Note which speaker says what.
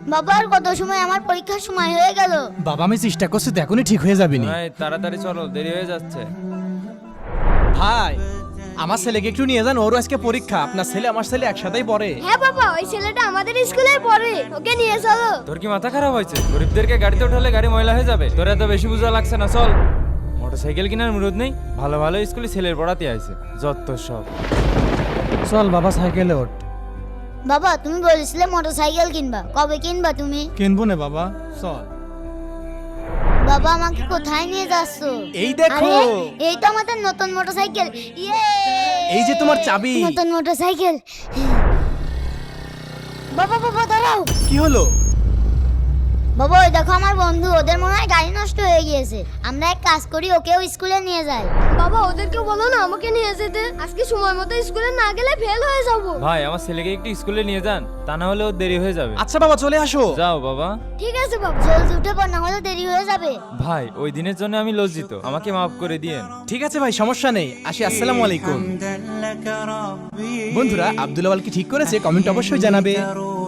Speaker 1: বাবা আর কত সময়, আমার পরীক্ষার সময় হয়ে গেল।
Speaker 2: বাবা আমি চেষ্টা করছি তো এখনই ঠিক হয়ে যাবি নি।
Speaker 3: ভাই তাড়াতাড়ি চলো, দেরি হয়ে যাচ্ছে।
Speaker 2: ভাই আমার ছেলেকে একটু নিয়ে যান, ওর আজকে পরীক্ষা। আপনার ছেলে আমার ছেলে একসাথেই পড়ে।
Speaker 1: হ্যাঁ বাবা, ওই ছেলেটা আমাদের স্কুলে পড়ে, ওকে নিয়ে চলো।
Speaker 3: তোর কি মাথা খারাপ হয়েছে? গরিবদেরকে গাড়িতে উঠালে গাড়ি ময়লা হয়ে যাবে। তোর এত বেশি বোঝা লাগছে না, চল। মোটরসাইকেল কেনার মুরুদ নেই, ভালো ভালো স্কুলে ছেলের পড়াতে আইছে, যত সব।
Speaker 2: চল বাবা সাইকেলে ওঠ।
Speaker 1: বাবা তুমি বলেছিলে মোটরসাইকেল কিনবা, কবে কিনবা তুমি?
Speaker 2: কিনবো না বাবা, চল।
Speaker 1: বাবা আমাকে কোথায় নিয়ে যাচ্ছ?
Speaker 2: এই দেখো।
Speaker 1: আরে, এই তো আমাদের নতুন মোটরসাইকেল। ইয়ে!
Speaker 2: এই যে তোমার চাবি।
Speaker 1: নতুন মোটরসাইকেল। বাবা বাবা দাঁড়াও।
Speaker 2: কি হলো?
Speaker 1: বাবা ওই দেখো আমার বন্ধু, ওদের মনে হয় গাড়ি নষ্ট হয়ে গিয়েছে। আমরা এক কাজ করি, ওকেও স্কুলে নিয়ে যাই। বাবা ওদেরকে বলো না আমাকে নিয়ে যেতে, আজকে সময় মতো স্কুলে না গেলে ফেল হয়ে যাব।
Speaker 3: ভাই আমার ছেলেকে একটু স্কুলে নিয়ে যান, তা না হলে ওর দেরি হয়ে যাবে।
Speaker 2: আচ্ছা বাবা চলে আসো।
Speaker 3: যাও বাবা।
Speaker 1: ঠিক আছে বাবা, জলদি উঠে পড়, না হলে দেরি হয়ে যাবে।
Speaker 3: ভাই ওই দিনের জন্য আমি লজ্জিত, আমাকে মাফ করে দিয়েন।
Speaker 2: ঠিক আছে ভাই, সমস্যা নেই। আসি, আসসালামু আলাইকুম। বন্ধুরা আব্দুল আওয়াল কি ঠিক করেছে? কমেন্ট অবশ্যই জানাবে।